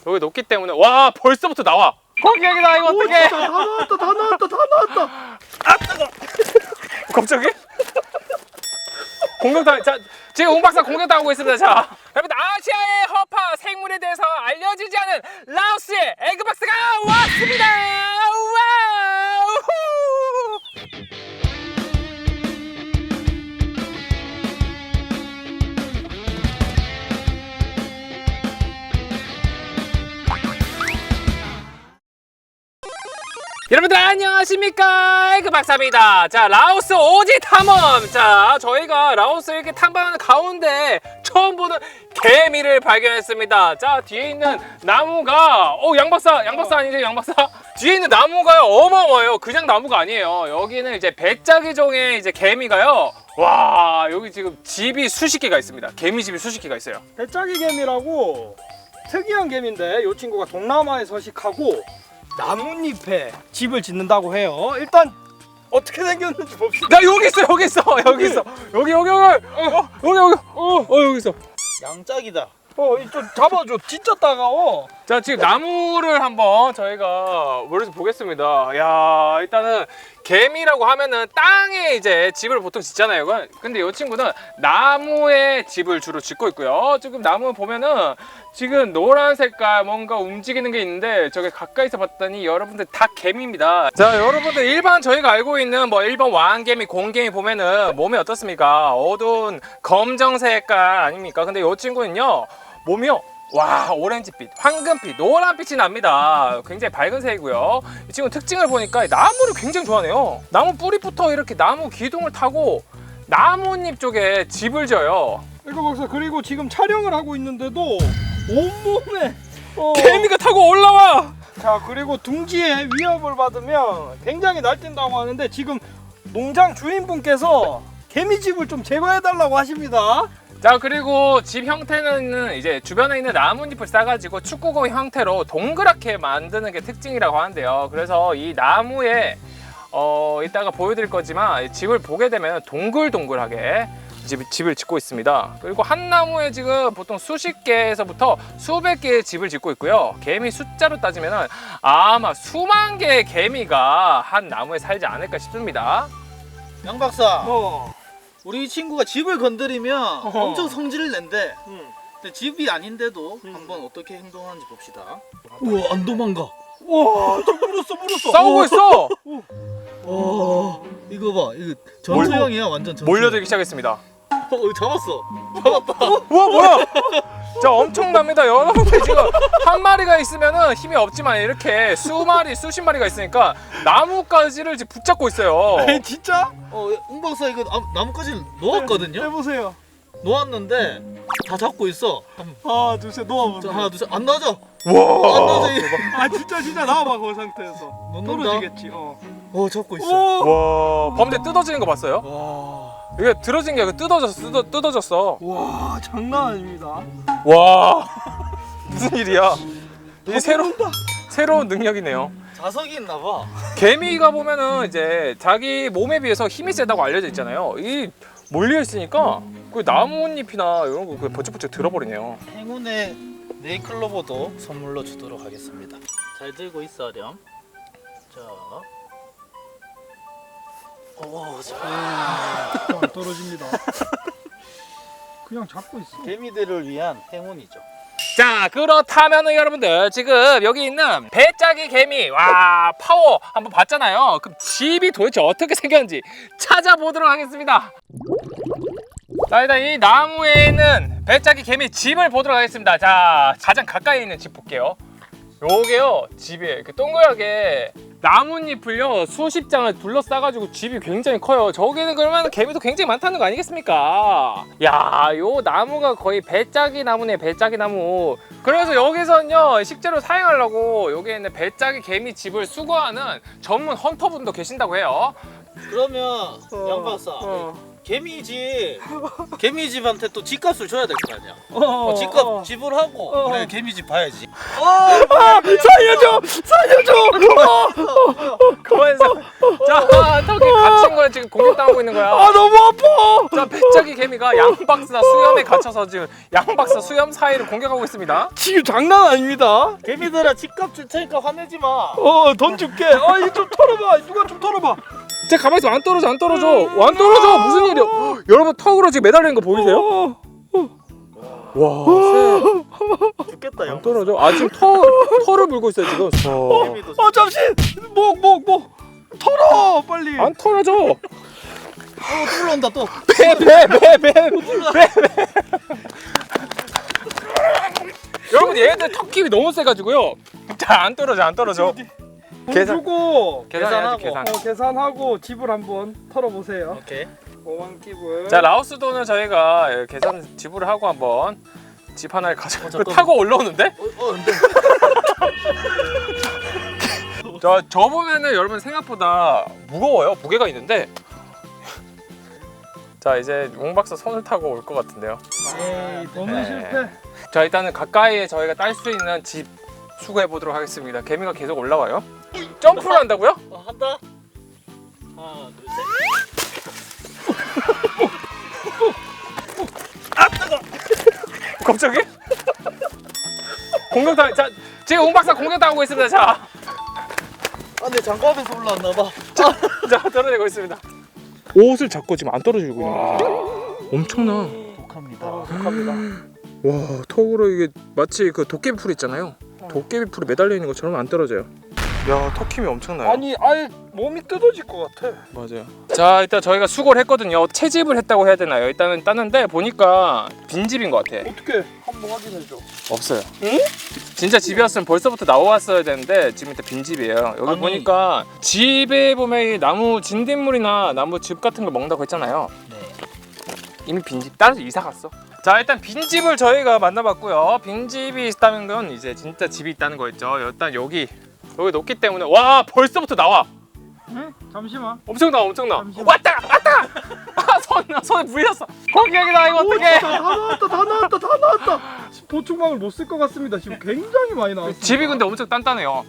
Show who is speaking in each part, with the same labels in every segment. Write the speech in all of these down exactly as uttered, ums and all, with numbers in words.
Speaker 1: 여기 높기 때문에 와 벌써부터 나와. 공격이다 이거 어떡해.
Speaker 2: 다 나왔다 다 나왔다 다 나왔다.
Speaker 1: 아 뜨거. 갑자기? 공격당 자 지금 웅 박사 공격당하고 있습니다. 자 여러분 아시아의 허파 생물에 대해서 알려지지 않은 라오스의 에그 박사가 왔습니다. 와우. 여러분들 안녕하십니까, 에그 박사입니다. 자 라오스 오지 탐험. 자 저희가 라오스 이렇게 탐방하는 가운데 처음 보는 개미를 발견했습니다. 자 뒤에 있는 나무가 어 양박사 양박사 아니죠 양박사? 뒤에 있는 나무가요 어마어마해요. 그냥 나무가 아니에요. 여기는 이제 배짜기종의 이제 개미가요. 와 여기 지금 집이 수십 개가 있습니다. 개미집이 수십 개가 있어요.
Speaker 2: 배짜기 개미라고 특이한 개미인데 이 친구가 동남아에 서식하고 나뭇잎에 집을 짓는다고 해요. 일단 어떻게 생겼는지 봅시다.
Speaker 1: 나 여기 있어 여기 있어 여기 있어 여기 여기 여기 어 여기 여기 어, 어 여기 있어.
Speaker 3: 양짝이다.
Speaker 2: 어, 좀 잡아줘. 진짜 따가워.
Speaker 1: 자 지금 나무를 한번 저희가 머리에서 보겠습니다. 야 일단은 개미라고 하면은 땅에 이제 집을 보통 짓잖아요. 근데 이 친구는 나무에 집을 주로 짓고 있고요. 지금 나무 보면은 지금 노란 색깔 뭔가 움직이는 게 있는데 저게 가까이서 봤더니 여러분들 다 개미입니다. 자 여러분들 일반 저희가 알고 있는 뭐 일반 왕개미, 공개미 보면은 몸이 어떻습니까? 어두운 검정 색깔 아닙니까? 근데 이 친구는요 몸이요 와 오렌지빛, 황금빛, 노란빛이 납니다. 굉장히 밝은 색이고요. 이 친구 특징을 보니까 나무를 굉장히 좋아하네요. 나무 뿌리부터 이렇게 나무 기둥을 타고 나뭇잎 쪽에 집을 져요.
Speaker 2: 이거 박사 그리고 지금 촬영을 하고 있는데도 온몸에 어.
Speaker 1: 개미가 타고 올라와.
Speaker 2: 자 그리고 둥지에 위협을 받으면 굉장히 날뛴다고 하는데 지금 농장 주인분께서 개미집을 좀 제거해 달라고 하십니다.
Speaker 1: 자 그리고 집 형태는 이제 주변에 있는 나뭇잎을 싸가지고 축구공 형태로 동그랗게 만드는 게 특징이라고 하는데요. 그래서 이 나무에 어 이따가 보여드릴 거지만 집을 보게 되면 동글동글하게 집, 집을 짓고 있습니다. 그리고 한 나무에 지금 보통 수십 개에서부터 수백 개의 집을 짓고 있고요. 개미 숫자로 따지면 아마 수만 개의 개미가 한 나무에 살지 않을까 싶습니다.
Speaker 3: 양 박사.
Speaker 2: 어.
Speaker 3: 우리 이 친구가 집을 건드리면
Speaker 2: 어허.
Speaker 3: 엄청 성질을 낸대.
Speaker 2: 응.
Speaker 3: 근데 집이 아닌데도
Speaker 2: 음.
Speaker 3: 한번 어떻게 행동하는지 봅시다.
Speaker 2: 우와 안 도망가. 와, 저 물었어 물었어.
Speaker 1: 싸우고 있어.
Speaker 3: 와 이거 봐, 이거 전투형이야 완전 전투.
Speaker 1: 몰려들기 시작했습니다.
Speaker 3: 어, 이거 잡았어. 잡았다.
Speaker 1: 우와 뭐야? 자 엄청납니다. 여러분들 지금 한 마리가 있으면은 힘이 없지만 이렇게 수마리 수십 마리가 있으니까 나무가지를 지금 붙잡고 있어요.
Speaker 2: 에이, 진짜?
Speaker 3: 어, 웅 박사 이거 나, 나뭇가지 놓았거든요.
Speaker 2: 해보세요.
Speaker 3: 놓았는데 다 잡고 있어.
Speaker 2: 하나 둘셋
Speaker 3: 자,
Speaker 2: 놓아보세요.
Speaker 3: 하나 둘 셋 안 나죠?
Speaker 1: 와.
Speaker 3: 안 나죠? 이거.
Speaker 2: 아 진짜 진짜 나와봐 그 상태에서.
Speaker 3: 놓는다.
Speaker 2: 떨어지겠지. 어.
Speaker 3: 어 잡고 있어.
Speaker 2: 오.
Speaker 1: 와 범대 뜯어지는 거 봤어요?
Speaker 2: 와.
Speaker 1: 이게 들어진 게 아니고 뜯어졌어 뜯어, 뜯어졌어.
Speaker 2: 와 장난 아닙니다.
Speaker 1: 와 무슨 일이야? 이 새로 새로운 능력이네요.
Speaker 3: 자석이 있나 봐.
Speaker 1: 개미가 보면은 이제 자기 몸에 비해서 힘이 세다고 알려져 있잖아요. 이 몰려 있으니까 그 나뭇잎이나 이런 거 그냥 번쩍번쩍 들어버리네요.
Speaker 3: 행운의 네이클로버도 선물로 주도록 하겠습니다. 잘 들고 있어 렴. 자. 오, 자.
Speaker 2: 떨어집니다. 그냥 잡고 있어.
Speaker 3: 개미들을 위한 행운이죠.
Speaker 1: 자 그렇다면은 여러분들 지금 여기 있는 배짜기 개미 와 파워 한번 봤잖아요. 그럼 집이 도대체 어떻게 생겼는지 찾아보도록 하겠습니다. 자 일단 이 나무에 있는 배짜기 개미 집을 보도록 하겠습니다. 자 가장 가까이 있는 집 볼게요. 요게요 집이에요. 이렇게 동그랗게 나뭇잎을요 수십 장을 둘러싸가지고 집이 굉장히 커요. 저기는 그러면 개미도 굉장히 많다는 거 아니겠습니까? 야, 요 나무가 거의 배짜기 나무네, 배짜기 나무. 그래서 여기서는요 식재로 사용하려고 여기에 있는 배짜기 개미 집을 수거하는 전문 헌터분도 계신다고 해요.
Speaker 3: 그러면 양 박사
Speaker 1: 어.
Speaker 3: 개미집 개미집한테 또 집값을 줘야 될 거 아니야.
Speaker 2: 어,
Speaker 3: 어, 집값 지불하고
Speaker 2: 어.
Speaker 3: 그래 개미집 봐야지.
Speaker 2: 아, 살려줘, 살려줘.
Speaker 1: 그만해서. 자, 턱에 갇힌 거야 지금 공격당하고 있는 거야.
Speaker 2: 아, 너무 아파.
Speaker 1: 자, 배짜기 개미가 양박사 수염에 갇혀서 지금 양박사 수염 사이를 공격하고 있습니다.
Speaker 2: 지금 장난 아닙니다.
Speaker 3: 개미들아 집값 줄 테니까 화내지 마.
Speaker 2: 어, 돈 줄게. 아, 이거 좀 털어봐. 누가 좀 털어봐.
Speaker 1: 제 가만히 있어. 안 떨어져, 안 떨어져. 안 떨어져. 무슨 일이야? 여러분 턱으로 지금 매달리는 거 보이세요?
Speaker 2: 어,
Speaker 1: 와,
Speaker 3: 죽겠다
Speaker 1: 안
Speaker 3: 형.
Speaker 1: 떨어져. 아 지금 터 털을 물고 있어요 지금. 어.
Speaker 3: 개미도
Speaker 2: 어, 잠시. 목, 목, 목. 털어, 빨리.
Speaker 1: 안 털어져.
Speaker 3: 어, 또 올라온다 또.
Speaker 1: 배, 배, 배, 배, 배, 배. 여러분 얘네들 턱 힘이 너무 세가지고요. 자, 안 떨어져, 안 떨어져.
Speaker 2: 돈
Speaker 1: 계산.
Speaker 2: 주고
Speaker 1: 계산해야지
Speaker 3: 계산하고.
Speaker 1: 계산.
Speaker 2: 어, 계산하고 집을 한번 털어보세요.
Speaker 3: 오케이.
Speaker 2: 오만 끼불.
Speaker 1: 자, 라오스 돈은 저희가 계산 지불을 하고 한번 집 하나를 가져.
Speaker 3: 어, 잠깐만.
Speaker 1: 타고 올라오는데?
Speaker 3: 어, 어 근데
Speaker 1: 저, 저 보면은 여러분 생각보다 무거워요. 무게가 있는데. 자, 이제 용 박사 손을 타고 올 것 같은데요.
Speaker 2: 에이, 돈은
Speaker 1: 네.
Speaker 2: 실패.
Speaker 1: 자, 일단은 가까이에 저희가 딸 수 있는 집 수거해 보도록 하겠습니다. 개미가 계속 올라와요. 점프를 한다고요?
Speaker 3: 어, 한다. 하나 둘 셋.
Speaker 1: 갑자기? 공격당. 자, 지금 용 박사 공격당하고 있습니다. 자,
Speaker 3: 아, 내 장갑에서 올라왔나 봐.
Speaker 1: 자 떨어지고 있습니다. 옷을 잡고 지금 안 떨어지고 있는 거예요. 엄청나.
Speaker 3: 독합니다.
Speaker 2: 아, 독합니다.
Speaker 1: 와, 턱으로 이게 마치 그 도깨비 풀 있잖아요. 도깨비 풀에 매달려 있는 것처럼 안 떨어져요. 야, 턱 힘이 엄청나요.
Speaker 2: 아니, 아예 몸이 뜯어질 것 같아.
Speaker 1: 맞아요. 자, 일단 저희가 수거를 했거든요. 채집을 했다고 해야 되나요? 일단은 땄는데 보니까 빈집인 것 같아.
Speaker 2: 어떻게 한번 확인해줘.
Speaker 1: 없어요.
Speaker 2: 응?
Speaker 1: 진짜 집이었으면 벌써부터 나왔어야 되는데 지금 일단 빈집이에요. 여기
Speaker 3: 아니.
Speaker 1: 보니까 집에 보면 이 나무 진딧물이나 나무 즙 같은 걸 먹는다고 했잖아요.
Speaker 3: 네.
Speaker 1: 이미 빈집 따라서 이사 갔어. 자, 일단 빈집을 저희가 만나봤고요. 빈집이 있다는 건 이제 진짜 집이 있다는 거였죠. 일단 여기 여기 높기 때문에 와, 벌써부터 나와.
Speaker 2: 응? 잠시만.
Speaker 1: 엄청 나와, 엄청 나와.
Speaker 2: 잠시만.
Speaker 1: 왔다, 왔다. 아, 손 손에 물렸어. 공격이다 이거 어떡해.
Speaker 2: 다 나왔다, 다 나왔다, 다 나왔다. 보충망을 못 쓸 것 같습니다. 지금 굉장히 많이 나왔어.
Speaker 1: 집이 근데 엄청 단단해요.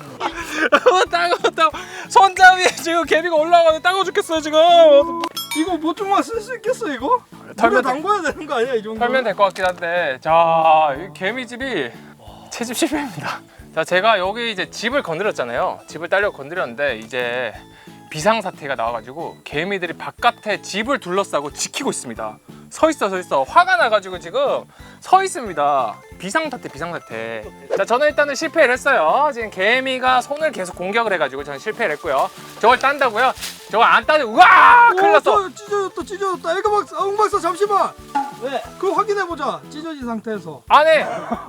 Speaker 1: 따가워, 따가워. 손잡이에 지금 개미가 올라가는데 따가워 죽겠어요 지금.
Speaker 2: 이거 보충망 쓸 수 있겠어 이거? 물에
Speaker 1: 털면
Speaker 2: 담궈야 되는 거 아니야 이 정도?
Speaker 1: 털면 될 것 같긴 한데, 자, 이 개미집이 채집 실패입니다. 자, 제가 여기 이제 집을 건드렸잖아요. 집을 딸려 건드렸는데 이제 비상사태가 나와가지고 개미들이 바깥에 집을 둘러싸고 지키고 있습니다. 서 있어, 서 있어. 화가 나가지고 지금 서 있습니다. 비상사태, 비상사태. 자, 저는 일단은 실패를 했어요. 지금 개미가 손을 계속 공격을 해가지고 저는 실패를 했고요. 저걸 딴다고요? 저걸 안 따면 우와! 큰일 났어.
Speaker 2: 저 찢어졌다, 찢어졌다. 에그 박사, 아, 웅 박사 잠시만.
Speaker 3: 왜?
Speaker 2: 그거 확인해 보자. 찢어진 상태에서.
Speaker 1: 안 해!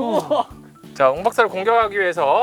Speaker 1: 자, 웅 박사를 공격하기 위해서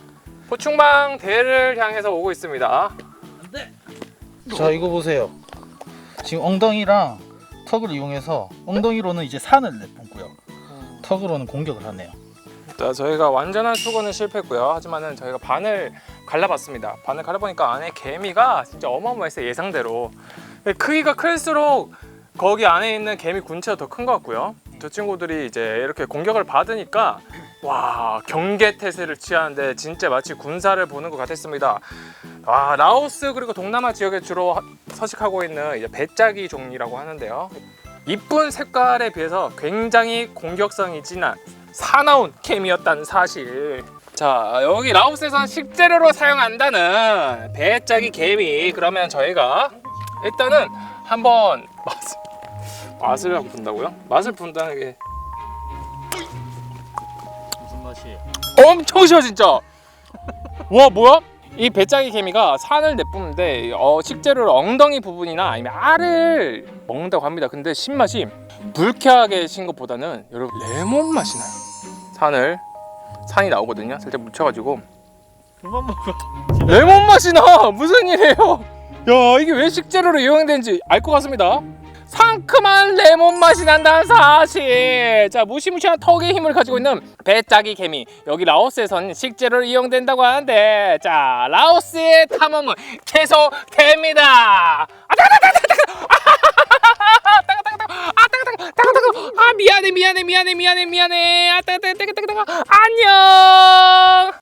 Speaker 1: 포충망 대를 향해서 오고 있습니다.
Speaker 3: 안돼. 자 이거 보세요. 지금 엉덩이랑 턱을 이용해서 엉덩이로는 이제 산을 내뿜고요. 턱으로는 공격을 하네요.
Speaker 1: 자, 저희가 완전한 수거는 실패했고요. 하지만은 저희가 반을 갈라봤습니다. 반을 갈라보니까 안에 개미가 진짜 어마어마했어요. 예상대로. 크기가 클수록 거기 안에 있는 개미 군체가 더 큰 것 같고요. 저 친구들이 이제 이렇게 공격을 받으니까 와, 경계태세를 취하는데 진짜 마치 군사를 보는 것 같았습니다. 아, 라오스 그리고 동남아 지역에 주로 하- 서식하고 있는 이제 배짜기 종이라고 하는데요. 이쁜 색깔에 비해서 굉장히 공격성이 진한 사나운 개미였다는 사실. 자, 여기 라오스에서는 식재료로 사용한다는 배짜기 개미. 그러면 저희가 일단은 한번 맛을 맛을 한번 본다고요? 맛을 본다는 게
Speaker 3: 무슨 맛이에요?
Speaker 1: 엄청 싫어 진짜. 와, 뭐야? 이 배짜기 개미가 산을 내뿜는데 어, 식재료로 엉덩이 부분이나 아니면 알을 먹는다고 합니다. 근데 신맛이 불쾌하게 신 것보다는 여러분 레몬 맛이 나요. 산을 산이 나오거든요. 살짝 묻혀가지고
Speaker 3: 그만 먹어.
Speaker 1: 레몬 맛이 나. 무슨 일이에요? 야, 이게 왜 식재료로 이용되는지 알 것 같습니다. 상큼한 레몬 맛이 난다는 사실. 자, 무시무시한 턱의 힘을 가지고 있는 배짜기 개미. 여기 라오스에선 식재료로 이용된다고 하는데, 자, 라오스의 탐험은 계속됩니다. 아 미안해 미안해 미안해 미안해 미안해 아 따가 따가 따가 따가 안녕.